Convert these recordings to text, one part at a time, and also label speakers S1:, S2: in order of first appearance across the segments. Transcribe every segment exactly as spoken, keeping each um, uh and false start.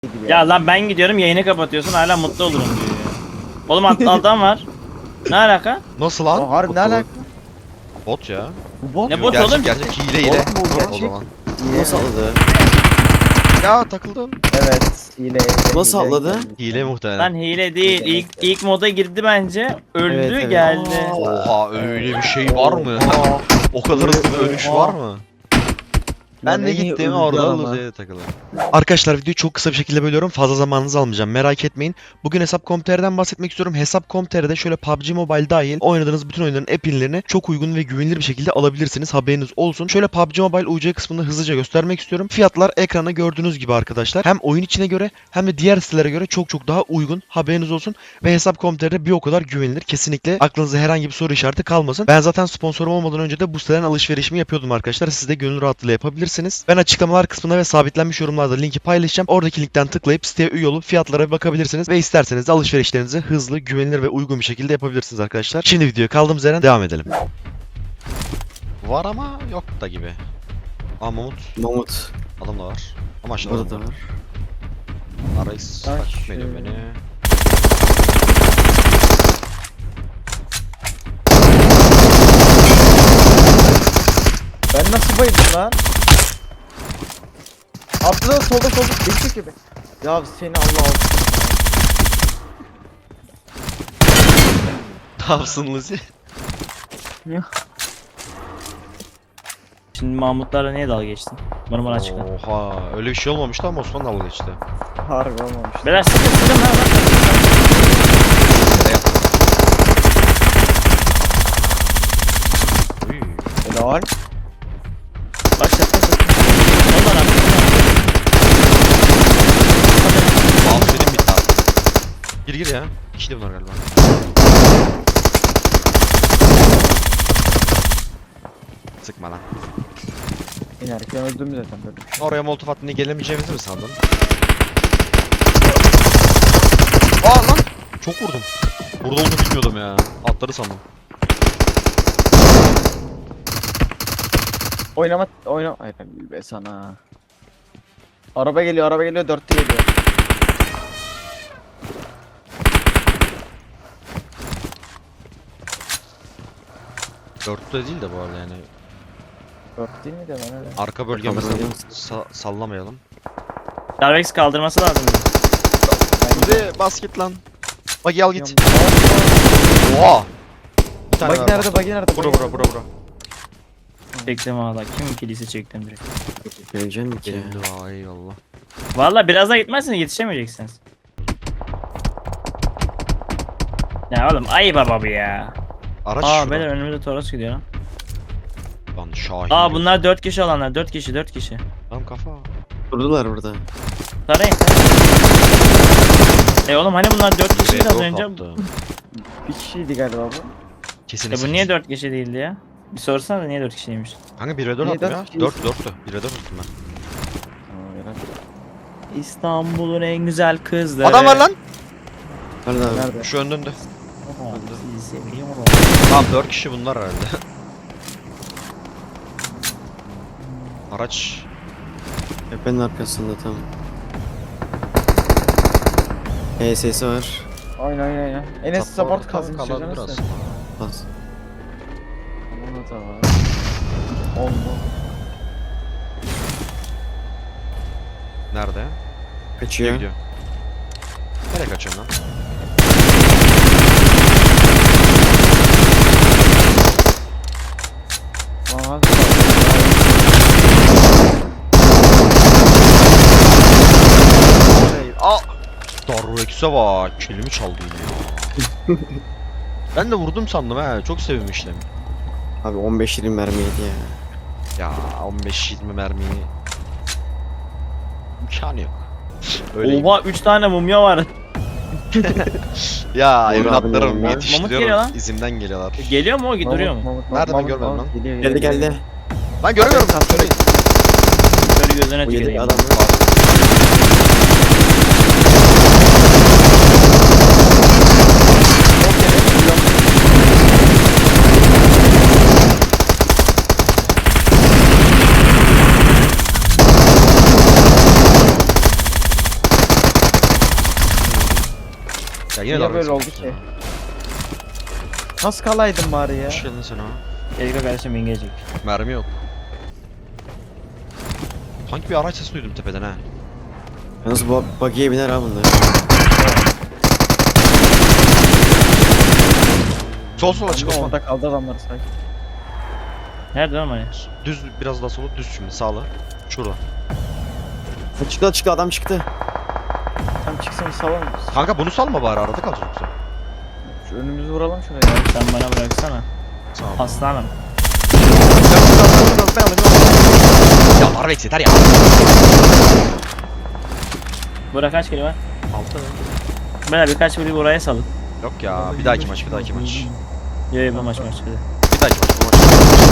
S1: Ya lan ben gidiyorum yayını kapatıyorsun hala mutlu olurum diyor ya. Oğlum atlı adam var. Ne alaka?
S2: Nasıl lan?
S3: Aa, harbi ne alaka?
S2: Bot ya.
S3: Bu bot
S1: Ne
S3: mu?
S1: bot
S2: gerçek,
S1: oğlum?
S2: gerçek hile hile.
S3: Bot mu bu,
S2: O
S3: gerçek?
S2: zaman.
S4: Nasıl atladı?
S2: Ya takıldım.
S3: Evet. Hile. hile,
S4: Nasıl
S3: hile.
S4: atladı?
S2: Hile muhtemelen.
S1: Lan hile değil. İlk ilk moda girdi bence. Öldü
S4: Evet, evet.
S1: geldi.
S2: Oha öyle bir şey var mı?
S3: Aa,
S2: O kadar hızlı bir ölüş
S3: Oha.
S2: var mı? Ben
S3: Lan
S2: de
S3: en iyi
S2: gittim
S3: öldü
S2: orada
S3: adam ha.
S2: Luze'ye takıldım. Arkadaşlar videoyu çok kısa bir şekilde bölüyorum. Fazla zamanınızı almayacağım. Merak etmeyin. Bugün hesap nokta com nokta tr'den bahsetmek istiyorum. hesap nokta com nokta tr'de şöyle P U B G Mobile dahil oynadığınız bütün oyunların app'inlerini çok uygun ve güvenilir bir şekilde alabilirsiniz. Haberiniz olsun. Şöyle P U B G Mobile U C kısmını hızlıca göstermek istiyorum. Fiyatlar ekranda gördüğünüz gibi arkadaşlar. Hem oyun içine göre hem de diğer sitelere göre çok çok daha uygun. Haberiniz olsun. Ve hesap nokta com nokta tr'de bir o kadar güvenilir. Kesinlikle aklınızda herhangi bir soru işareti kalmasın. Ben zaten sponsorum olmadan önce de bu siteden alışverişimi yapıyordum arkadaşlar. Siz de gönül rahatlığıyla yapabilirsiniz. Ben açıklamalar kısmına ve sabitlenmiş yorumlarda linki paylaşacağım. Oradaki linkten tıklayıp siteye üye olup fiyatlara bir bakabilirsiniz ve isterseniz de alışverişlerinizi hızlı, güvenilir ve uygun bir şekilde yapabilirsiniz arkadaşlar. Şimdi videoya kaldığımız yerden devam edelim. Var ama yok da gibi. Aa Mamut.
S4: Mamut.
S2: Adam da var. Ama aşağıda
S4: Burada da
S2: var.
S4: var.
S2: Arayız
S3: Ay,
S2: takip
S3: şu-
S2: ediyor beni.
S3: Ben nasıl bayıldım lan? Atla solda solda. Geçecek gibi. Ya seni Allah olsun.
S2: Ne yapsın Luzi?
S1: Şimdi Mahmutlarla niye dalga geçtin? Bana bana açıkla.
S2: Oha öyle bir şey olmamıştı ama Osman dalga geçti.
S3: Harbi olmamış.
S1: Beyler sıkın sıkın lan lan.
S2: Nereye yaptın? Uy.
S3: Helal.
S1: Başlat başlat. Ondan abi.
S2: Mouse benim bitti abi. Gir gir ya. İkili de bunlar galiba. Sıkma lan.
S3: İnerken öldüm zaten böyle bir şey.
S2: Oraya molotof attığında gelemeyeceğimizi mi sandın? Aa lan! Çok vurdum. Burada olduğunu bilmiyordum ya. Atları sandım.
S3: Oynama oynama. Hayır be sana. Araba geliyor araba geliyor dörtte geliyor.
S2: Dörtte değil de bu arada yani.
S3: Dört değil mi de ben öyle.
S2: Arka bölgemizden
S4: Kaldırmayalım.
S2: sa sallamayalım.
S1: Darvex kaldırması lazım.
S2: Kuzi basket lan. Bagi al git.
S3: Git.
S2: Oha! Bir tane
S3: Bagi
S2: var
S3: nerede
S2: bak.
S3: bagi nerede?
S2: Bura
S3: bagi
S2: bura
S3: nerede?
S2: bura bura.
S1: Çektim valla. Kim kilise çektim direkt.
S4: Geleceğim ki.
S2: Geldi vay eyvallah.
S1: Valla biraz daha gitmezseniz yetişemeyeceksiniz. Ya oğlum ayıp baba bu ya.
S2: Araç
S1: Aa
S2: şurada.
S1: beyler önümüzde Toros gidiyor lan.
S2: Lan Şahin.
S1: Aa bunlar dört kişi olanlar. dört kişi dört kişi.
S2: Tam kafa.
S4: Durdular burada.
S1: Tarayın. E oğlum hani bunlar dört kişiydi az
S2: Yok
S1: önce.
S2: attı.
S3: Bir kişiydi galiba bu.
S2: Kesin
S1: E bu niye dört kişi değildi ya? Bir sorsana da niye dört kişiymiş?
S2: Kanka bir ve dört
S3: Niye
S2: attım
S3: dört
S2: ya.
S3: kişiyiz?
S2: dört dörttü. bir ve dört attım ben.
S3: Tamam helal.
S1: İstanbul'un en güzel kızları.
S2: Adam var lan.
S4: Nerede abi?
S3: Nerede?
S2: Şu önünde.
S1: Oha, sizi seviyorum.
S2: Tamam dört kişi bunlar herhalde. Araç.
S4: Tepenin arkasında tam. H S'si var.
S3: Aynen aynen aynen. Enes
S2: Support
S3: support
S2: tam
S3: kazın
S2: kalabilir
S3: istiyorsanız
S2: aslında.
S4: Bas.
S3: Ona da var. Oldu.
S2: Nerede? Nereye
S4: Kaçıyor.
S2: gidiyor? Nereye kaçıyorsun lan?
S3: Aha.
S2: Aa! Darrex'e bak. Kelimi çaldı yine ya. Ben de vurdum sandım ha. Çok sevinmiştim.
S4: Abi on beş yirmi mermiydi ya.
S2: Ya on beş yirmi mermi. İmkanı yok. Öyle.
S1: Oha üç tane mumya var.
S2: Ya
S4: Uğur
S2: evlatlarım
S4: abinin
S1: Mamut geliyor
S2: yetiştiriyorum.
S1: lan.
S2: İzimden geliyorlar.
S1: Geliyor mu o duruyor mu?
S3: Mamut,
S2: Nerede ben
S3: Mamut,
S2: görmedim
S3: Mamut,
S2: lan.
S3: Geliyor,
S4: Geldi
S3: geliyor,
S4: geldi.
S2: Lan görmüyorum. Söyleyin.
S1: Şöyle gözüne
S4: Bu yedi
S1: tüküreyim.
S4: adam.
S2: Ya
S3: Niye
S2: dalga
S3: böyle oldu
S2: geçiyorsun
S3: ki? Nasıl kalaydın bari ya?
S2: Hoş geldin sen ha.
S1: Gelecek kardeşim ingecek.
S2: Mermi yok. Sanki bir araç sesi duydum tepeden ha.
S4: Yalnız bu buggy'ye biner ha bunlar.
S2: Sol sol açık Osman.
S3: Orada kaldı adamlar sanki.
S1: Nerede lan hani?
S2: Düz biraz daha sola düz şimdi sağla. Şurada.
S4: Ha, çıktı çıktı adam çıktı.
S3: Tam çıksın salalım.
S2: Kanka bunu salma bari arada kalacak yoksa.
S3: Şu önümüzü vuralım şuraya. ya.
S1: Sen bana bıraksana.
S2: Sağ ol.
S1: Aslanım.
S2: Ben alayım, ben alayım. Ya Arvex yeter ya.
S1: Bura kaç kere var?
S2: Altı.
S1: Beyler birkaç biri buraya salın.
S2: Yok ya bir dahaki maç bir dahaki maç.
S1: Yo yo bu maç maç hadi.
S2: Bir dahaki maç bu maç.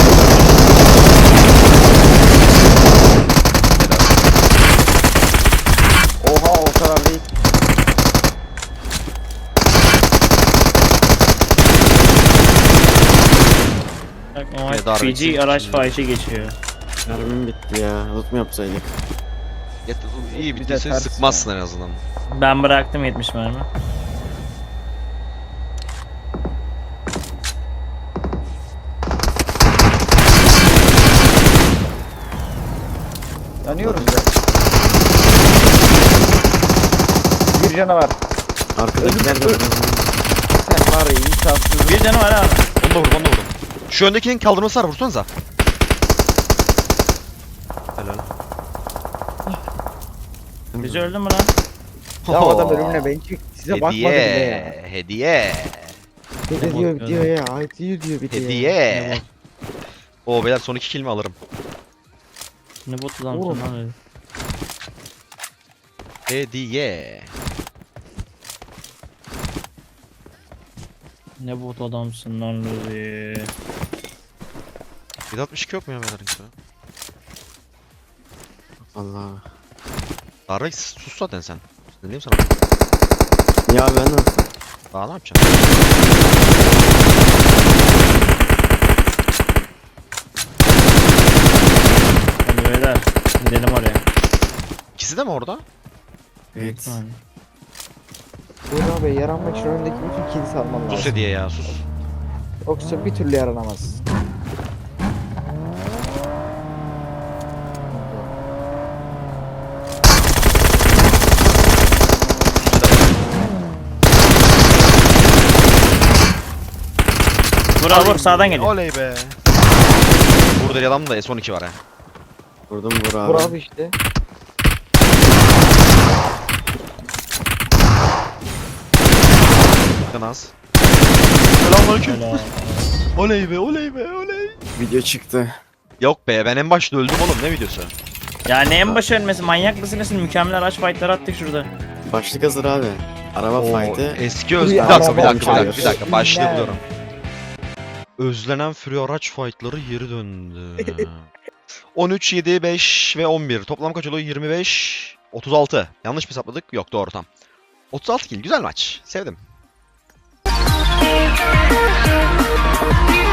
S3: Oha o kadar değil.
S1: Bak
S2: Evet,
S1: o
S2: darbe
S1: Fiji
S2: için
S1: araç
S2: şimdi.
S1: faiçi geçiyor.
S4: Mermim bitti ya. Loot mu yapsaydık?
S2: Yet- İyi
S3: Bir de
S2: bittiyse
S3: ters
S2: sıkmazsın en azından.
S1: Ben bıraktım yetmiş mermi.
S3: Yanıyoruz ya. Bir canavar.
S4: Arkadakiler de var.
S3: Sen var ya insafsız.
S1: Bir canı var abi.
S2: Onu da vurdum onu da vurdum. Şu öndekinin kaldırması var vursanıza. Helal.
S1: Bizi öldü mü lan?
S3: Ya o adam ölümüne ben çık. Size bakmadı bile ya.
S2: Hediye. Hediye.
S3: Ne
S1: Ne
S3: diyor
S1: bakıyor
S3: diyor ya. Ay diyor diyor bir de ya.
S2: Hediye. Oo beyler son iki kill mi alırım?
S1: Ne botu lan
S3: Oğlum.
S1: lan öyle.
S2: Hediye.
S1: Ne bot adamsın lan Luzi.
S2: bir altmış iki yok mu ya beyler?
S4: Allah.
S2: Darvex sus zaten sen. Ne diyeyim sana?
S4: Ya ben nasıl?
S2: Daha ne yapacaksın?
S1: Hadi beyler gidelim oraya.
S2: İkisi de mi orada?
S4: Evet.
S1: Yani.
S3: Buğra Bey yaranmak için önündeki bütün kilisi alman
S2: Sus
S3: lazım.
S2: hediye ya sus.
S3: Yoksa bir türlü yaranamaz.
S1: Vur abi vur sağdan geliyor.
S2: Oley be. Burada adam da S on iki var ha.
S4: Vurdum vur abi.
S3: Buğra abi işte.
S2: Bakın az. Selamünaleyküm.
S1: Helal.
S2: Oley be oley be oley.
S4: Video çıktı.
S2: Yok be ben en başta öldüm oğlum ne videosu?
S1: Ya ne en başı ölmesi manyak mısın nesin? Mükemmel araç fightları attık şurada.
S4: Başlık hazır abi. Araba
S2: Oo,
S4: fight'ı.
S2: eski öz...
S3: Bir
S2: Bir dakika bir
S3: araba
S2: dakika bir dakika
S4: fight'ı.
S2: bir dakika başlığı
S3: Günler.
S2: buluyorum. Özlenen Fury araç fightları geri döndü. on üç, yedi, beş ve on bir. Toplam kaç oluyor? yirmi beş, otuz altı. Yanlış mı hesapladık? Yok doğru tam. otuz altı kill. Güzel maç. Sevdim.